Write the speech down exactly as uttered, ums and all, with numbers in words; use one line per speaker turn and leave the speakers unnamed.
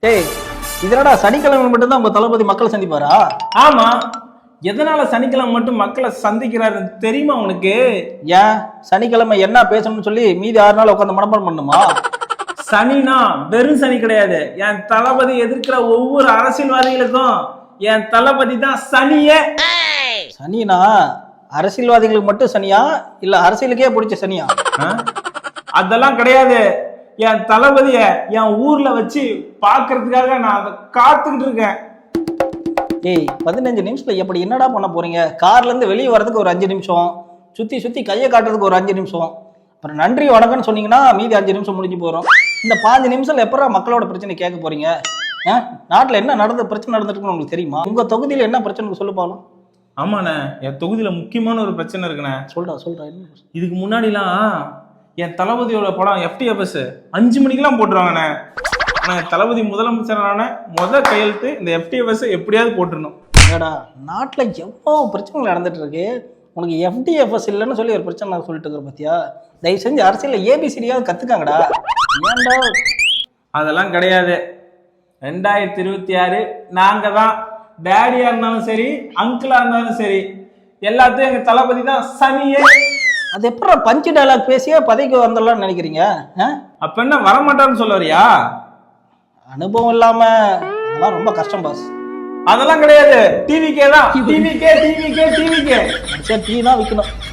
டேய் இதனடா சனிக்கிழமை மட்டும்தான் உங்க தளபதி மக்களை சந்திப்பாரா?
ஆமா, எதனால சனிக்கிழமை மட்டும் மக்களை சந்திக்கிறாரு தெரியுமா உனக்கு?
ஏன் சனிக்கிழமை என்ன பேசணும்னு சொல்லி மீதி ஆறு நாள் உட்காந்து மனப்பாடம் பண்ணுமா?
சனினா வெறும் சனி கிடையாது. என் தளபதி எதிர்க்கிற ஒவ்வொரு அரசியல்வாதிகளுக்கும் என் தளபதி தான் சனியே.
சனினா அரசியல்வாதிகளுக்கு மட்டும் சனியா இல்ல அரசியலுக்கே பிடிச்ச சனியா?
அதெல்லாம் கிடையாது. என் தளபதிய என் ஊர்ல வச்சு பாக்குறதுக்காக நான் அதை காத்துக்கிட்டு இருக்கேன்.
ஏய் பதினஞ்சு நிமிஷத்துல எப்படி என்னடா பண்ண போறீங்க? கார்ல இருந்து வெளியே வர்றதுக்கு ஒரு அஞ்சு நிமிஷம், சுத்தி சுத்தி கையை காட்டுறதுக்கு ஒரு அஞ்சு நிமிஷம், அப்புறம் நன்றி வணக்கம்னு சொன்னீங்கன்னா மீதி அஞ்சு நிமிஷம் முடிஞ்சு போறோம். இந்த பாஞ்சு நிமிஷம் எப்படா மக்களோட பிரச்சனை கேட்க போறீங்க? நாட்டுல என்ன நடந்த பிரச்சனை நடந்துருக்குன்னு உங்களுக்கு தெரியுமா? உங்க தொகுதியில என்ன பிரச்சனை சொல்லு பாக்கலாம்.
ஆமாண்ணே, என் தொகுதியில முக்கியமான ஒரு பிரச்சனை இருக்குண்ணே.
சொல்றா சொல்றா என்ன?
இதுக்கு முன்னாடிலாம் என் தளபதியோட படம் எஃப்டிஎஃப்எஸ் அஞ்சு மணிக்கெல்லாம் போட்டுருவாங்கண்ணே. ஆனா என் தளபதி முதலமைச்சரான முத கையெழுத்து இந்த எஃப்டிஎஃப்எஸ் எப்படியாவது போட்டுருணும்.
ஏடா நாட்டுல எவ்வளோ பிரச்சனைகள் நடந்துட்டு இருக்கு, உனக்கு எஃப்டிஎஃப்எஸ் இல்லைன்னு சொல்லி ஒரு பிரச்சனை நான் சொல்லிட்டு இருக்கிற பத்தியா? தயவு செஞ்சு அரசியல்ல ஏபிசிடியாவது கத்துக்காங்கடா. ஏன்டா?
அதெல்லாம் கிடையாது. ரெண்டாயிரத்தி இருபத்தி ஆறு நாங்க தான். டேடியா இருந்தாலும் சரி, அங்கிளா இருந்தாலும் சரி, எல்லாத்தையும் எங்க தளபதி தான் சனியே.
அது எப்படா பஞ்சு டயலாக் பேசியே பதவிக்கு வந்துடலாம்னு நினைக்கிறீங்க?
அப்ப என்ன வரமாட்டான்னு சொல்ல வரியா?
அனுபவம் இல்லாம அதெல்லாம் ரொம்ப கஷ்டம் பாஸ்.
அதெல்லாம் கிடையாது. டிவிக்கே தான். டிவிக்கே டிவிக்கே டிவிக்கே
சரி டீ தான் விற்கணும்.